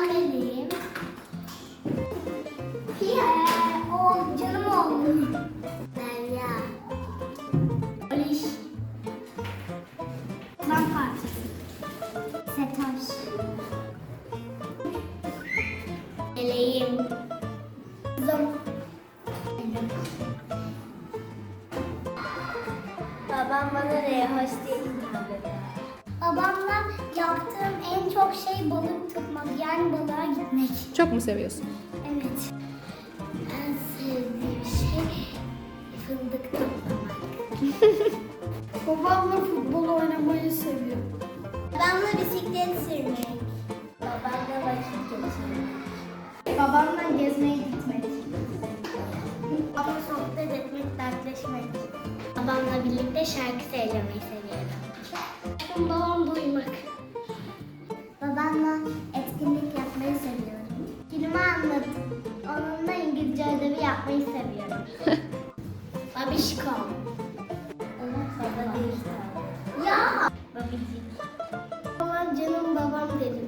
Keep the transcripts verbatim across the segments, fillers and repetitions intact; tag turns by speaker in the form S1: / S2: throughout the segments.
S1: Ben Melih'im. Ee, o canım oğlum. Derya. Aliş. Ben parçası. Setoş. Meleğim. Kızım. Babam bana rehoş diye hitap eder. Babamla yaptığım en çok şey balık tutmak, yani balığa gitmek.
S2: Çok mu seviyorsun?
S1: Evet. En sevdiğim şey fındık toplamak.
S3: Babamla futbol oynamayı seviyorum.
S1: Babamla bisiklet sürmek. Babamla vakit geçirmek.
S3: Babamla gezmeye gitmek.
S1: Ama sohbet etmek, dertleşmek. Babamla birlikte şarkı söylemeyi seviyorum. Babamla uyumak. Babamla etkinlik yapmayı seviyorum. Filmi anlatıp onunla İngilizce ödevi yapmayı seviyorum. Babişkom. Evet, baba değil tabii. Ya! Babicik. Babam canım babam derim.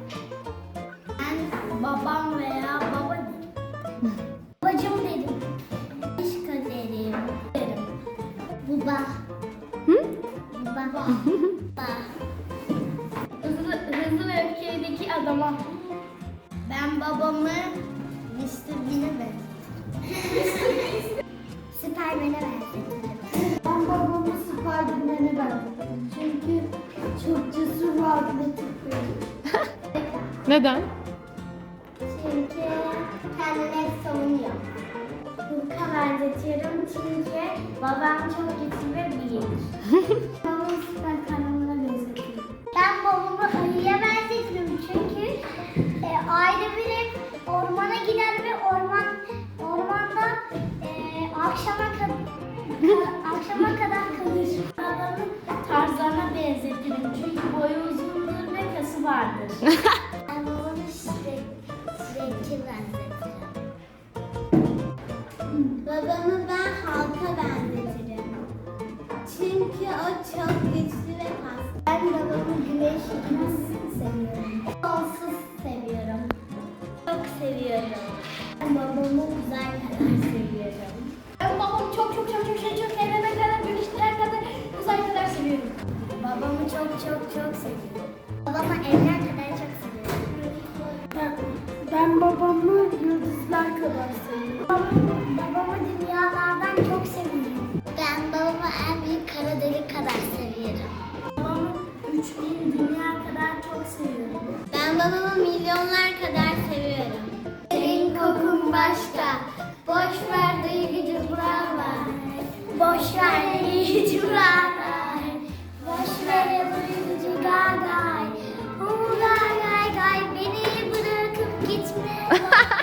S1: Ben babam veya baba derim. Babacım derim. Babişko derim. Derim. Baba.
S2: Hı?
S1: Baba. Baba.
S3: Hızlı, hızlı ve öfkedeki adama.
S1: Ben babamı mister Bean'e benzetirim. Süpermen'e benzetirim.
S3: Ben babamı Spiderman'e benzetirim. Çünkü çok cesur ve atletik biri.
S2: Neden?
S1: Çünkü kendini hep savunuyor. Hulk'a benzetiyorum çünkü babam çok güçlü ve büyük.
S3: Babamı süper kahramana benzetirim.
S1: Ben babamı ayıya benzetirim çünkü e, ayrı biri ormana gider ve orman ormanda e, akşama kadar akşama kadar kalır.
S3: Babamı Tarzan'a benzetirim. Çünkü boyu uzundur ve kası vardır.
S1: Ben babamı Shrek, Shrek'e benzetirim. Babamı ben halka benzetirim. Çünkü o çok güçlü ve kaslı. Ben babamı güneş gibi seviyorum. Sonsuz seviyorum. Çok seviyorum. Ben babamı uzay kadar seviyorum.
S3: Ben babamı çok çok çok çok şey çok evrene kadar güneşlere kadar uzay kadar seviyorum.
S1: Babamı çok çok çok seviyorum. Babamı evler kadar çok seviyorum.
S3: Ben, ben babamı yıldızlar kadar seviyorum.
S1: Babamı, babamı dünyalardan çok seviyorum. Ben babamı en büyük kara delik kadar seviyorum.
S3: Babamı üç bin dünya kadar çok seviyorum.
S1: Ben babamı milyonlar kadar seviyorum. Senin kokun başka. Boş ver duygucu buralar. Boş ver duygucu buralar. Boş ver duygucu gagay. Hu gay gay gay beni bırakıp gitme.